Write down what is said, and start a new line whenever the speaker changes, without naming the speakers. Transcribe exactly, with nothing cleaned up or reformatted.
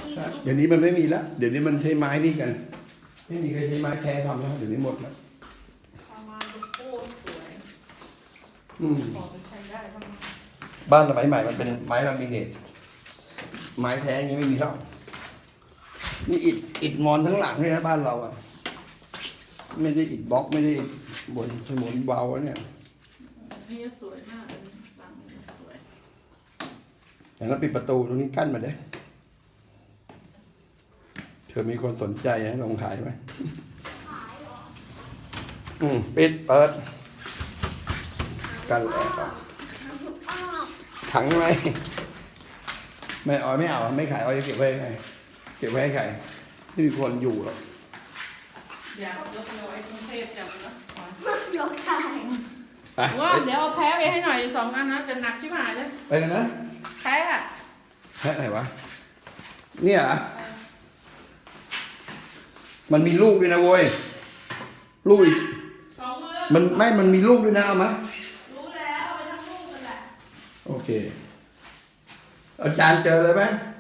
เดี๋ยวนี้มันไม่มีแล้วเดี๋ยวนี้มันใช้ไม้นี่กันไม่มีใครใช้ไม้แท้ทำแล้วเดี๋ยวนี้หมดแล้ว
ประมาณโคตรสวย
อืม
พอไปใช้ได้บ้าง
บ้านสมัยใหม่มันเป็นไม้ลามิเนตไม้แท้อย่างนี้ไม่มีแล้วนี่อิฐอิฐมอนทั้งหลังเลยนะบ้านเราอ่ะไม่ได้อิฐบล็อกไม่ได้อิฐบนถนนเบาเนี่ย
นี่สวยมากเลยหลังนี้สวย
อย่างนั้นปิดประตูตรงนี้กั้นมาเด้เธอมีคนสนใจนะลองขายไหมอืมปิดเปิดกันแล้วถังไหมไม่เอาไม่เอาไม่ขายเอาจะเก็บไว้ไงเก็บไว้ให้ใครไม่มีคนอยู่หรอก
อยากยกเอาไว้กรุงเทพจังนะ
ยกได้
ไป
ว่าเดี๋ยวเอาแพ้ไปให้หน่อยสองอันนะแต่หนักที่หายเลย
ไปกันนะ
แพ้อะ
แพะไหนวะเนี่ยเหรอมันมีลูกด้วยนะโว้ยลูกอีก
สองมือ
มันไม่มันมีลูกด้วยนะเอามา
รู้แล้วเอาไปทั้งลูกกันแหละ
โอเคอาจารย์เจอเลยไหม
เ